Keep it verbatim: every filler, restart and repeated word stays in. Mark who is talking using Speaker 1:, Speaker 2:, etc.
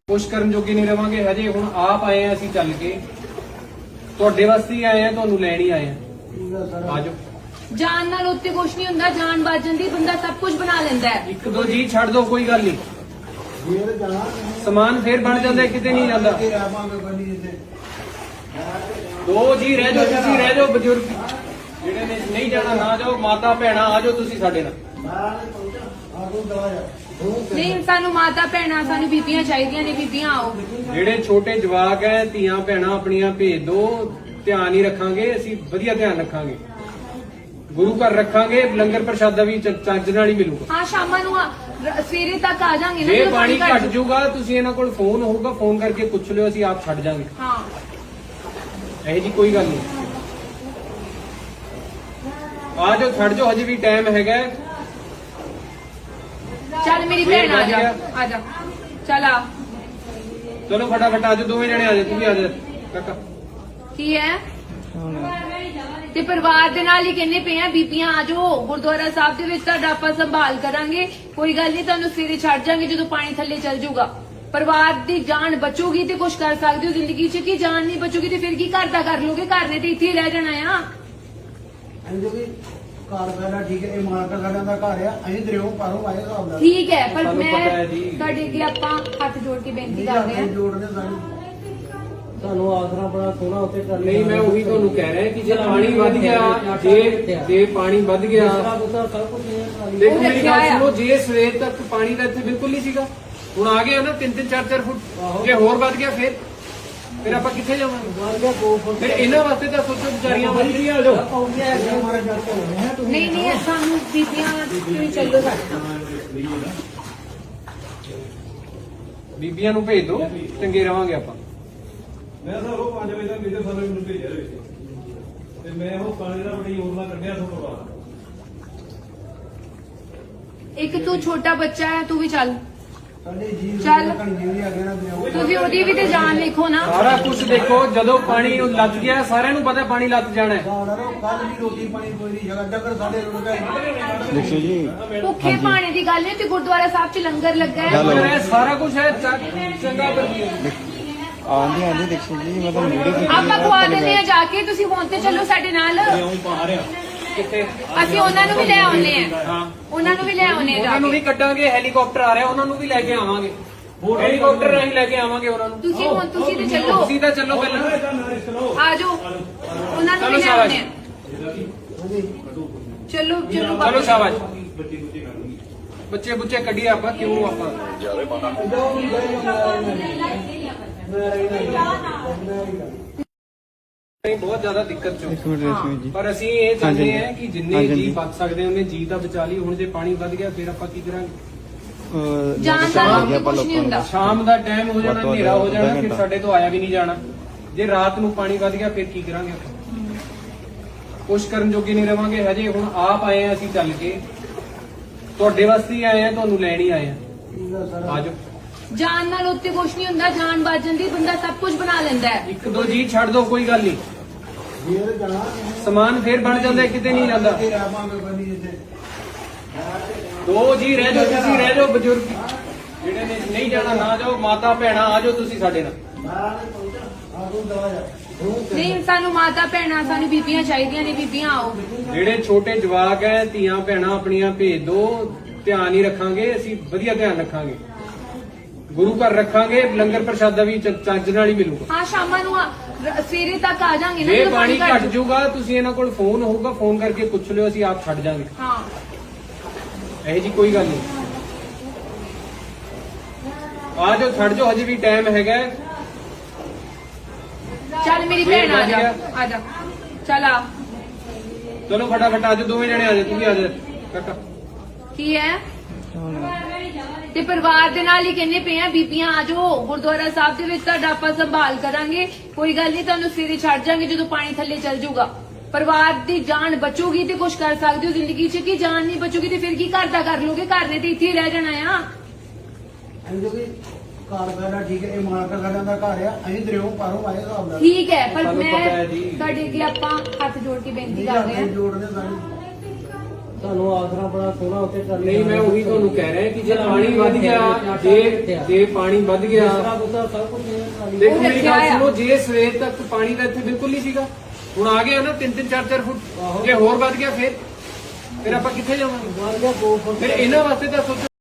Speaker 1: ਕੁਛ ਕਰਨ ਜੋਗੇ ਨਹੀਂ ਰਵਾਂਗੇ ਹਜੇ। ਹੁਣ ਆਪ ਆਏ ਆ ਅਸੀਂ ਚੱਲ ਕੇ, ਤੁਹਾਡੇ ਵਾਸਤੇ ਹੀ ਆਏ ਆ, ਤੁਹਾਨੂੰ ਲੈਣ ਹੀ ਆਏ ਆ। ਆਜੋ।
Speaker 2: ਜਾਨ ਨਾਲ ਉੱਤੇ ਕੁਛ ਨਹੀਂ ਹੁੰਦਾ, ਜਾਨ ਬਚ ਜਾਂਦੀ, ਬੰਦਾ ਸਭ ਕੁਝ ਬਣਾ ਲੈਂਦਾ ਹੈ।
Speaker 1: ਇੱਕ ਦੋ ਜੀ ਛੱਡ ਦੋ, ਕੋਈ ਗੱਲ ਨਹੀਂ, ਸਮਾਨ ਫੇਰ ਬਣ ਜਾਂਦਾ, ਕਿਤੇ ਨਹੀਂ ਜਾਂਦਾ। ਦੋ ਜੀ ਰਹਿ ਜਾਓ, ਤੁਸੀਂ ਰਹਿ ਜਾਓ, ਬਜ਼ੁਰਗ ਜਿਹੜੇ ਨੇ ਨਹੀਂ ਜਾਣਾ ਨਾ ਜਾਓ, ਮਾਤਾ ਭੈਣਾਂ ਆ ਜਾਓ ਤੁਸੀਂ ਸਾਡੇ ਨਾਲ।
Speaker 2: ਨਹੀਂ, ਸਾਨੂੰ ਮਾਤਾ ਭੈਣਾਂ, ਸਾਨੂੰ ਬੀਬੀਆਂ ਚਾਹੀਦੀਆਂ ਨੇ, ਬੀਬੀਆਂ ਆਓ।
Speaker 1: ਜਿਹੜੇ ਛੋਟੇ ਜਵਾਕ ਹੈ, ਧੀਆਂ ਭੈਣਾਂ ਆਪਣੀਆਂ ਭੇਜ ਦੋ, ਧਿਆਨ ਹੀ ਰੱਖਾਂਗੇ ਅਸੀਂ, ਵਧੀਆ ਧਿਆਨ ਰੱਖਾਂਗੇ, ਗੁਰੂ ਘਰ ਰੱਖਾਂਗੇ, ਲੰਗਰ ਪ੍ਰਸ਼ਾਦਾ ਵੀ ਚੱਜ ਨਾਲ ਹੀ ਮਿਲੂਗਾ।
Speaker 2: ਹਾਂ, ਸ਼ਾਮਾਂ ਨੂੰ ਆ- ਰ- ਸਵੇਰੇ ਤੱਕ ਆ ਜਾਾਂਗੇ ਨਾ।
Speaker 1: ਜੇ ਪਾਣੀ ਘਟ ਜਾਊਗਾ, ਤੁਸੀਂ ਇਹਨਾਂ ਕੋਲ ਫੋਨ ਹੋਊਗਾ, ਫੋਨ ਕਰਕੇ ਪੁੱਛ ਲਿਓ, ਅਸੀਂ ਆਪ ਛੱਡ ਜਾਾਂਗੇ।
Speaker 2: ਹਾਂ,
Speaker 1: ਇਹ ਜੀ ਕੋਈ ਗੱਲ ਨਹੀਂ, ਆ ਜਾਓ, ਛੱਡ ਜਾਓ, ਹਜੇ ਵੀ ਟਾਈਮ ਹੈਗਾ।
Speaker 2: ਚੱਲ ਮੇਰੀ ਭੈਣ ਆ ਜਾ, ਆ ਜਾ, ਚੱਲ ਆ।
Speaker 1: ਚਲੋ ਫਟਾਫਟ ਆ ਜਾਓ, ਦੋਵੇਂ ਜਣੇ ਆ ਜਾਓ, ਤੂੰ ਵੀ ਆ ਜਾ ਕਾਕਾ।
Speaker 2: ਕੀ ਹੈ ਤੇ ਪਰਿਵਾਰ ਦੇ ਨਾਲ ਹੀ ਕਹਿੰਦੇ ਪਏ ਆ, ਬੀਬੀਆਂ ਆ ਜਾਓ, ਗੁਰਦੁਆਰਾ ਸਾਹਿਬ ਦੇ ਵਿੱਚ ਤੁਹਾਡਾ ਆਪਾਂ ਸੰਭਾਲ ਕਰਾਂਗੇ, ਕੋਈ ਗੱਲ ਨਹੀਂ, ਤੁਹਾਨੂੰ ਸਵੇਰੇ ਛੱਡ ਜਾਾਂਗੇ ਜਦੋਂ ਪਾਣੀ ਥੱਲੇ ਚੱਲ ਜਾਊਗਾ। ਪਰਿਵਾਰ ਦੀ ਜਾਨ ਬਚੂਗੀ ਤੇ ਕੁਝ ਕਰ ਸਕਦੇ ਹੋ ਜ਼ਿੰਦਗੀ 'ਚ, ਕੀ ਜਾਨ ਨਹੀਂ ਬਚੂਗੀ ਤੇ ਫਿਰ ਕੀ ਘਰ ਦਾ ਕਰ ਲੋਗੇ? ਘਰ ਨੇ ਤੇ ਇੱਥੇ ਹੀ ਰਹਿ ਜਾਣਾ ਆ।
Speaker 3: ਘਰ ਪਹਿਲਾਂ ਠੀਕ ਹੈ, ਇਹ ਮਾਲਕ ਸਾਡਾ ਦਾ ਘਰ ਆ, ਅਸੀਂ ਦਰਿਓ ਪਾਰੋਂ ਆਏ ਹਿਸਾਬ ਨਾਲ।
Speaker 2: ਠੀਕ ਹੈ, ਪਰ
Speaker 1: ਸਾਨੂੰ
Speaker 2: ਮੈਂ
Speaker 1: ਪਤਾ ਹੈ ਜੀ।
Speaker 2: ਤੁਹਾਡੇ ਅੱਗੇ ਆਪਾਂ ਹੱਥ ਜੋੜ ਕੇ ਬੇਨਤੀ
Speaker 3: ਨਹੀਂ
Speaker 2: ਕਰਦੇ
Speaker 3: ਆਪਣੇ
Speaker 2: ਹਾਂ।
Speaker 3: ਜੋੜਨੇ ਸਾਨੂੰ
Speaker 4: ਤੁਹਾਨੂੰ ਆਸਰਾ ਬੜਾ ਸੋਹਣਾ ਉੱਤੇ ਕਰ
Speaker 1: ਨਹੀਂ, ਮੈਂ ਉਹੀ ਤੁਹਾਨੂੰ ਕਹਿ ਰਿਹਾ ਕਿ ਜੇ ਪਾਣੀ ਵੱਧ ਗਿਆ, ਜੇ ਜੇ ਪਾਣੀ ਵੱਧ ਗਿਆ,
Speaker 4: ਸਭ ਕੁਝ
Speaker 1: ਦੇਖੋ ਮੇਰੀ ਗੱਲ ਸੁਣੋ, ਜੇ ਸਵੇਰ ਤੱਕ ਪਾਣੀ ਦਾ ਇੱਥੇ ਬਿਲਕੁਲ ਨਹੀਂ ਸੀਗਾ, ਹੁਣ ਆ ਗਿਆ ਨਾ ਤਿੰਨ ਤਿੰਨ ਚਾਰ ਚਾਰ ਫੁੱਟ, ਜੇ ਹੋਰ ਵੱਧ ਗਿਆ ਫਿਰ ਫਿਰ ਆਪਾਂ ਕਿੱਥੇ ਜਾਵਾਂਗੇ? ਫਿਰ ਇਹਨਾਂ ਵਾਸਤੇ ਤਾਂ ਸੋਚੋ, ਵਿਚਾਰੀਆਂ ਵੱਧ ਰਹੀਆਂ। ਆ ਜਾਓ।
Speaker 2: ਨਹੀਂ ਨਹੀਂ, ਸਾਨੂੰ ਬੀਬੀਆਂ ਤੁਸੀਂ ਚੱਲੋ ਸਾਡੇ ਨਾਲ।
Speaker 1: ਬੀਬੀਆਂ ਨੂੰ ਭੇਜ ਦਿਓ, ਚੰਗੇ ਰਵਾਂਗੇ ਆਪਾਂ।
Speaker 5: ਮੈਂ ਸਰ ਉਹ ਪੰਜ ਵਜੇ ਤੱਕ ਮੇਰੇ ਸਾਰੇ ਮੈਨੂੰ ਭੇਜਿਆ ਦੇ ਤੇ ਮੈਂ ਉਹ ਪਾਣੀ ਦਾ ਬੜੀ ਯੋਜਨਾ ਕੱਢਿਆ ਤੋਂ ਬਾਅਦ।
Speaker 2: ਇੱਕ ਤੂੰ ਛੋਟਾ ਬੱਚਾ ਹੈ, ਤੂੰ ਵੀ ਚੱਲ।
Speaker 3: ਸਾਡੇ ਜੀ
Speaker 2: ਚੱਲ।
Speaker 3: ਜਿਹੜੀ ਆ ਗਿਆ ਨਾ ਦਰਿਓ
Speaker 2: ਤੁਸੀਂ ਉਹਦੀ ਵੀ ਤੇ ਜਾਨ ਲਿਖੋ ਨਾ।
Speaker 1: ਸਾਰਾ ਕੁਝ ਦੇਖੋ, ਜਦੋਂ ਪਾਣੀ ਨੂੰ ਲੱਗ ਗਿਆ, ਸਾਰਿਆਂ ਨੂੰ ਪਤਾ ਪਾਣੀ ਲੱਗ ਜਾਣਾ ਹੈ।
Speaker 3: ਕੱਲ ਵੀ ਰੋਟੀ ਪਾਣੀ ਕੋਈ ਨਹੀਂ ਜਗ੍ਹਾ ਜਗਰ ਸਾਡੇ ਰੁੜ ਗਏ।
Speaker 6: ਦੇਖੋ ਜੀ,
Speaker 2: ਭੁੱਖੇ ਪਾਣੀ ਦੀ ਗੱਲ ਹੈ ਤੇ ਗੁਰਦੁਆਰਾ ਸਾਹਿਬ 'ਚ ਲੰਗਰ ਲੱਗਾ ਹੈ।
Speaker 1: ਪਰ ਇਹ ਸਾਰਾ ਕੁਝ ਹੈ ਚ- ਚੰਗਾ ਪਰ
Speaker 6: ਆਂਦੀ ਆਂਦੀ ਦੇਖੋ ਜੀ, ਮੈਂ ਤੁਹਾਨੂੰ ਵੀਡੀਓ
Speaker 2: ਆਪਾਂ ਖਵਾ ਦਿੰਦੇ ਆ ਜਾ ਕੇ, ਤੁਸੀਂ ਹੁਣ ਤੇ ਚੱਲੋ ਸਾਡੇ ਨਾਲ।
Speaker 1: ਕਿੱਥੇ
Speaker 2: ਅਸੀਂ ਉਹਨਾਂ ਨੂੰ ਵੀ ਲੈ ਆਉਨੇ ਆ,
Speaker 1: ਹਾਂ,
Speaker 2: ਉਹਨਾਂ ਨੂੰ ਵੀ ਲੈ ਆਉਨੇ ਆ ਜਾ
Speaker 1: ਉਹਨਾਂ ਨੂੰ ਵੀ
Speaker 2: ਕੇ।
Speaker 1: ਕੱਢਾਂਗੇ, ਹੈਲੀਕਾਪਟਰ ਆ ਰਿਹਾ, ਉਹਨਾਂ ਨੂੰ ਵੀ ਲੈ ਕੇ ਆਵਾਂਗੇ, ਹੈਲੀਕਾਪਟਰ ਰਾਹੀਂ ਲੈ ਕੇ ਆਵਾਂਗੇ ਉਹਨਾਂ ਨੂੰ।
Speaker 2: ਤੁਸੀਂ ਹੁਣ ਤੁਸੀਂ ਤੇ ਚੱਲੋ,
Speaker 1: ਤੁਸੀਂ ਤਾਂ ਚੱਲੋ ਪਹਿਲਾਂ।
Speaker 2: ਆ ਜਾਓ, ਉਹਨਾਂ ਨੂੰ
Speaker 1: ਚਲੋ
Speaker 2: ਵੀ ਲੈ
Speaker 1: ਸ਼ਾਬਾਸ਼।
Speaker 2: ਆਉਨੇ ਆ। ਚਲੋ ਚਲੋ
Speaker 1: ਚਲੋ ਸ਼ਾਬਾਸ਼। ਬੱਚੇ ਬੁੱਚੇ ਕੱਢੀਏ ਆਪਾਂ, ਕਿਉਂ ਆਪਾਂ ਬਹੁਤ ਜ਼ਿਆਦਾ ਦਿੱਕਤ ਚੋਂ।
Speaker 6: ਇੱਕ ਮਿੰਟ ਦੇਖੋ ਜੀ।
Speaker 1: ਪਰ ਅਸੀਂ ਇਹ ਚਾਹੁੰਦੇ
Speaker 6: ਹਾਂਜੀ।
Speaker 1: ਹਾਂ ਕਿ ਜਿੰਨੇ
Speaker 6: ਹਾਂਜੀ।
Speaker 1: ਜੀ ਬਚ ਸਕਦੇ ਉਹਨੇ ਜੀ ਤਾਂ ਬਚਾ ਲਈ। ਹੁਣ ਜੇ ਪਾਣੀ ਵੱਧ ਗਿਆ ਫਿਰ ਆਪਾਂ ਕੀ ਕਰਾਂਗੇ?
Speaker 6: ਅਹ
Speaker 2: ਜਾਣ ਦਾ
Speaker 6: ਸ਼ਾਮ
Speaker 2: ਲੋਕੀ
Speaker 6: ਆਪਾਂ
Speaker 2: ਕੁਛ ਨਹੀਂ
Speaker 6: ਲੋਕਾਂ
Speaker 2: ਹੁੰਦਾ।
Speaker 6: ਨੂੰ
Speaker 1: ਸ਼ਾਮ ਦਾ ਟਾਈਮ ਹੋ ਜਾਣਾ,
Speaker 6: ਵੱਧ ਤੋਂ ਵੱਧ
Speaker 1: ਹਨੇਰਾ ਹੋ ਜਾਣਾ,
Speaker 6: ਅੱਧਾ
Speaker 1: ਫਿਰ
Speaker 6: ਘੰਟਾ।
Speaker 1: ਸਾਡੇ ਤੋਂ ਆਇਆ ਵੀ ਨਹੀਂ ਜਾਣਾ। ਜੇ ਰਾਤ ਨੂੰ ਪਾਣੀ ਵੱਧ ਗਿਆ ਫਿਰ ਕੀ ਕਰਾਂਗੇ ਆਪਾਂ? ਕੁਛ ਕਰਨ ਜੋਗੇ ਨਹੀਂ ਰਵਾਂਗੇ ਹਜੇ। ਹੁਣ ਆਪ ਆਏ ਆ ਅਸੀਂ ਚੱਲ ਕੇ, ਤੁਹਾਡੇ ਵਾਸਤੇ ਹੀ ਆਏ ਆ, ਤੁਹਾਨੂੰ ਲੈਣ ਹੀ ਆਏ ਆ। ਆਜੋ।
Speaker 2: ਜਾਨ ਨਾਲ ਉੱਤੇ ਕੁਛ ਨਹੀਂ ਹੁੰਦਾ, ਜਾਨ ਬਚ ਜਾਂਦੀ, ਬੰਦਾ ਸਭ ਕੁਝ ਬਣਾ ਲੈਂਦਾ ਹੈ।
Speaker 1: ਇੱਕ ਦੋ ਜੀ ਛੱਡ ਦੋ, ਕੋਈ ਗੱਲ ਨਹੀਂ,
Speaker 3: ਫੇਰ ਜਾਣਾ
Speaker 1: ਸਮਾਨ ਫੇਰ ਬਣ ਜਾਂਦਾ, ਕਿਤੇ ਨਹੀਂ ਜਾਂਦਾ।
Speaker 3: ਤੇ ਆਵਾਂਗੇ ਬਣੀ ਇੱਥੇ
Speaker 1: ਦੋ ਜੀ ਰਹਿ ਜਾਓ, ਤੁਸੀਂ ਰਹਿ ਜਾਓ, ਬਜ਼ੁਰਗ ਜਿਹੜੇ ਨੇ ਨਹੀਂ ਜਾਣਾ ਨਾ ਜਾਓ, ਮਾਤਾ ਭੈਣਾਂ ਆ ਜਾਓ ਤੁਸੀਂ ਸਾਡੇ ਨਾਲ।
Speaker 3: ਆਗੂ ਦਵਾ ਜਾ
Speaker 2: ਨਹੀਂ, ਸਾਨੂੰ ਮਾਤਾ ਭੈਣਾਂ, ਸਾਨੂੰ ਬੀਬੀਆਂ ਚਾਹੀਦੀਆਂ ਨੇ, ਬੀਬੀਆਂ ਆਓ।
Speaker 1: ਜਿਹੜੇ ਛੋਟੇ ਜਵਾਕ ਹੈ, ਧੀਆਂ ਭੈਣਾਂ ਆਪਣੀਆਂ ਭੇਜ ਦੋ, ਧਿਆਨ ਹੀ ਰੱਖਾਂਗੇ ਅਸੀਂ, ਵਧੀਆ ਧਿਆਨ ਰੱਖਾਂਗੇ, ਗੁਰੂ ਘਰ ਰੱਖਾਂਗੇ, ਲੰਗਰ ਪ੍ਰਸ਼ਾਦਾ ਵੀ ਚੱਜ ਨਾਲ ਹੀ ਮਿਲੂਗਾ।
Speaker 2: ਹਾਂ, ਸ਼ਾਮਾਂ ਨੂੰ ਆ- ਰ- ਸਵੇਰੇ ਤੱਕ ਆ ਜਾਾਂਗੇ ਨਾ।
Speaker 1: ਜੇ
Speaker 2: ਜਦੋਂ
Speaker 1: ਪਾਣੀ
Speaker 2: ਘੱਟ-
Speaker 1: ਘਟ ਜਾਊਗਾ, ਤੁਸੀਂ ਇਹਨਾਂ ਕੋਲ ਫੋਨ ਹੋਊਗਾ, ਫੋਨ ਕਰਕੇ ਪੁੱਛ ਲਿਓ, ਅਸੀਂ ਆਪ ਛੱਡ ਜਾਾਂਗੇ।
Speaker 2: ਹਾਂ,
Speaker 1: ਇਹ ਜੀ ਕੋਈ ਗੱਲ ਨਹੀਂ, ਆ ਜਾਓ, ਛੱਡ ਜਾਓ, ਹਜੇ ਵੀ ਟਾਈਮ ਹੈਗਾ।
Speaker 2: ਚੱਲ ਮੇਰੀ ਭੈਣ ਆ ਜਾ, ਆ ਜਾ, ਚੱਲ ਆ।
Speaker 1: ਚਲੋ ਫਟਾਫਟ ਆ ਜਾਓ, ਦੋਵੇਂ ਜਣੇ ਆ ਜਾਓ, ਤੂੰ ਵੀ ਆ ਜਾ ਕਾਕਾ।
Speaker 2: ਕੀ ਹੈ ਤੇ ਪਰਿਵਾਰ ਦੇ ਨਾਲ ਹੀ ਕਹਿੰਦੇ ਪਏ ਆ, ਬੀਬੀਆਂ ਆ ਜਾਓ, ਗੁਰਦੁਆਰਾ ਸਾਹਿਬ ਦੇ ਵਿੱਚ ਤੁਹਾਡਾ ਆਪਾਂ ਸੰਭਾਲ ਕਰਾਂਗੇ, ਕੋਈ ਗੱਲ ਨਹੀਂ, ਤੁਹਾਨੂੰ ਸਵੇਰੇ ਛੱਡ ਜਾਾਂਗੇ ਜਦੋਂ ਪਾਣੀ ਥੱਲੇ ਚੱਲ ਜਾਊਗਾ। ਪਰਿਵਾਰ ਦੀ ਜਾਨ ਬਚੂਗੀ ਤੇ ਕੁਝ ਕਰ ਸਕਦੇ ਹੋ ਜ਼ਿੰਦਗੀ 'ਚ, ਕੀ ਜਾਨ ਨਹੀਂ ਬਚੂਗੀ ਤੇ ਫਿਰ ਕੀ ਘਰ ਦਾ ਕਰ ਲੋਗੇ? ਘਰ ਨੇ ਤੇ ਇੱਥੇ ਹੀ ਰਹਿ ਜਾਣਾ ਆ।
Speaker 3: ਅਸੀਂ ਕਿ ਘਰ ਪਹਿਲਾਂ ਠੀਕ ਹੈ, ਇਹ ਮਾਲਕ ਸਾਡਾ ਦਾ ਘਰ ਆ, ਅਸੀਂ ਦਰਿਓ ਪਾਰੋਂ ਆਏ ਹਿਸਾਬ ਨਾਲ।
Speaker 2: ਠੀਕ ਹੈ, ਪਰ
Speaker 1: ਸਾਨੂੰ
Speaker 2: ਮੈਂ
Speaker 1: ਪਤਾ ਹੈ ਜੀ।
Speaker 2: ਤੁਹਾਡੇ ਅੱਗੇ ਆਪਾਂ ਹੱਥ ਜੋੜ ਕੇ ਬੇਨਤੀ
Speaker 3: ਨਹੀਂ
Speaker 2: ਕਰਦੇ
Speaker 3: ਆਪਣੇ
Speaker 2: ਹਾਂ।
Speaker 3: ਜੋੜਨੇ ਸਾਨੂੰ
Speaker 4: ਤੁਹਾਨੂੰ ਆਸਰਾ ਬੜਾ ਸੋਹਣਾ ਉੱਤੇ ਟਰਾਲੀ
Speaker 1: ਨਹੀਂ ਮੈਂ ਉਹੀ ਤੁਹਾਨੂੰ ਕਹਿ ਰਿਹਾ ਕਿ ਜੇ ਪਾਣੀ ਵੱਧ ਗਿਆ ਜੇ ਜੇ ਪਾਣੀ ਵੱਧ ਗਿਆ
Speaker 4: ਆਸਰਾ ਬੁੱਧਾ ਸਭ ਕੁਝ ਹੈ ਟਰਾਲੀ
Speaker 1: ਦੇਖੋ ਮੇਰੀ
Speaker 2: ਰੱਖਿਆ
Speaker 1: ਗੱਲ
Speaker 2: ਆ।
Speaker 1: ਸੁਣੋ ਜੇ ਸਵੇਰ ਤੱਕ ਪਾਣੀ ਦਾ ਇੱਥੇ ਬਿਲਕੁਲ ਨਹੀਂ ਸੀਗਾ ਹੁਣ ਆ ਗਿਆ ਨਾ ਤਿੰਨ ਤਿੰਨ ਚਾਰ ਚਾਰ ਫੁੱਟ ਜੇ ਹੋਰ ਵੱਧ ਗਿਆ ਫਿਰ ਫਿਰ ਆਪਾਂ ਕਿੱਥੇ ਜਾਵਾਂਗੇ
Speaker 4: ਵੱਧ ਗਿਆ ਦੋ ਫੁੱਟ
Speaker 1: ਫਿਰ ਇਹਨਾਂ ਵਾਸਤੇ ਤਾਂ ਸੋਚੋ